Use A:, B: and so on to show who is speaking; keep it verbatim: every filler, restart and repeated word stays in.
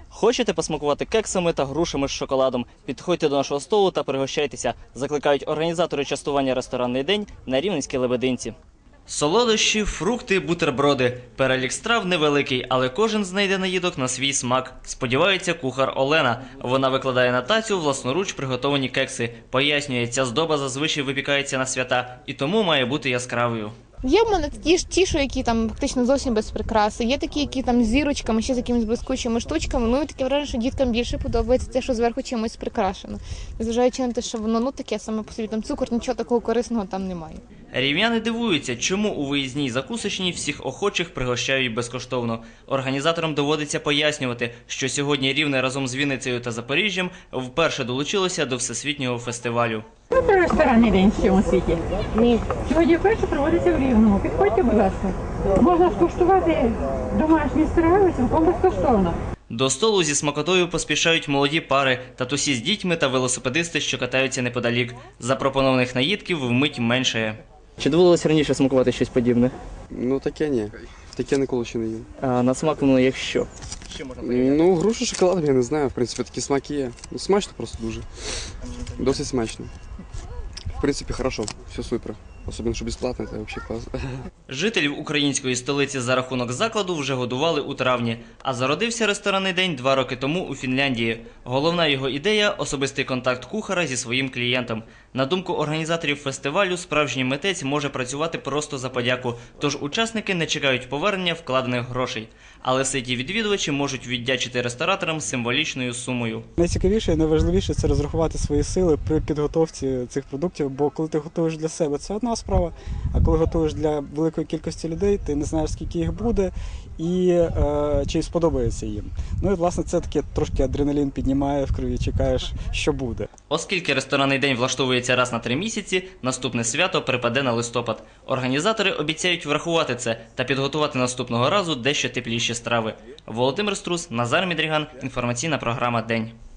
A: Хочете посмакувати кексами та грушами з шоколадом? Підходьте до нашого столу та пригощайтеся, закликають організатори частування «Ресторанний день» на Рівненській Лебединці. Солодощі, фрукти, бутерброди. Перелік страв невеликий, але кожен знайде наїдок на свій смак. Сподівається кухар Олена. Вона викладає на тацю власноруч приготовані кекси. Пояснює, ця здоба зазвичай випікається на свята і тому має бути яскравою.
B: Є в мене ті ж ті, що які там фактично зовсім без прикраси. Є такі, які там з зірочками, ще з якимись блискучими штучками. Ну і таке враження, що діткам більше подобається те, що зверху чимось прикрашено. Незважаючи на те, що воно ну таке саме по собі, там цукор, нічого такого корисного там немає.
A: Рівняни дивуються, чому у виїзній закусочній всіх охочих пригощають безкоштовно. Організаторам доводиться пояснювати, що сьогодні Рівне разом з Вінницею та Запоріжжям вперше долучилося до всесвітнього фестивалю.
C: Це ресторанний день в цьому світі. Сьогодні вперше проводиться в Рівному. Підходьте, будь ласка. Можна скуштувати домашні страви цілком безкоштовно.
A: До столу зі смакотою поспішають молоді пари, татусі з дітьми та велосипедисти, що катаються неподалік. Запропонованих наїдків вмить меншає. Чи доводилося раніше смакувати щось подібне?
D: Ну таке ні. Таке ніколи ще не їв.
A: А на смак воно як що? Що можна порівняти?
D: Ну, грушу, шоколад, я не знаю, в принципі, такі смаки є. Ну, смачно просто дуже. Досить смачно. В принципі, хорошо, все супер. Особливо, що безплатно, це взагалі класно.
A: Жителів української столиці за рахунок закладу вже годували у травні, а зародився ресторанний день два роки тому у Фінляндії. Головна його ідея – особистий контакт кухара зі своїм клієнтом. На думку організаторів фестивалю, справжній митець може працювати просто за подяку, тож учасники не чекають повернення вкладених грошей. Але ситі відвідувачі можуть віддячити рестораторам символічною сумою.
E: Найцікавіше і найважливіше – це розрахувати свої сили при підготовці цих продуктів, бо коли ти готуєш для себе – це одна справа, а коли готуєш для великої кількості людей, ти не знаєш, скільки їх буде і е, чи сподобається їм. Ну і, власне, це таке трошки адреналін піднімає в крові, чекаєш, що буде.
A: Оскільки ресторанний день влаштовується раз на три місяці, наступне свято припаде на листопад. Організатори обіцяють врахувати це та підготувати наступного разу дещо тепліші страви. Володимир Струс, Назар Мідріган, інформаційна програма «День».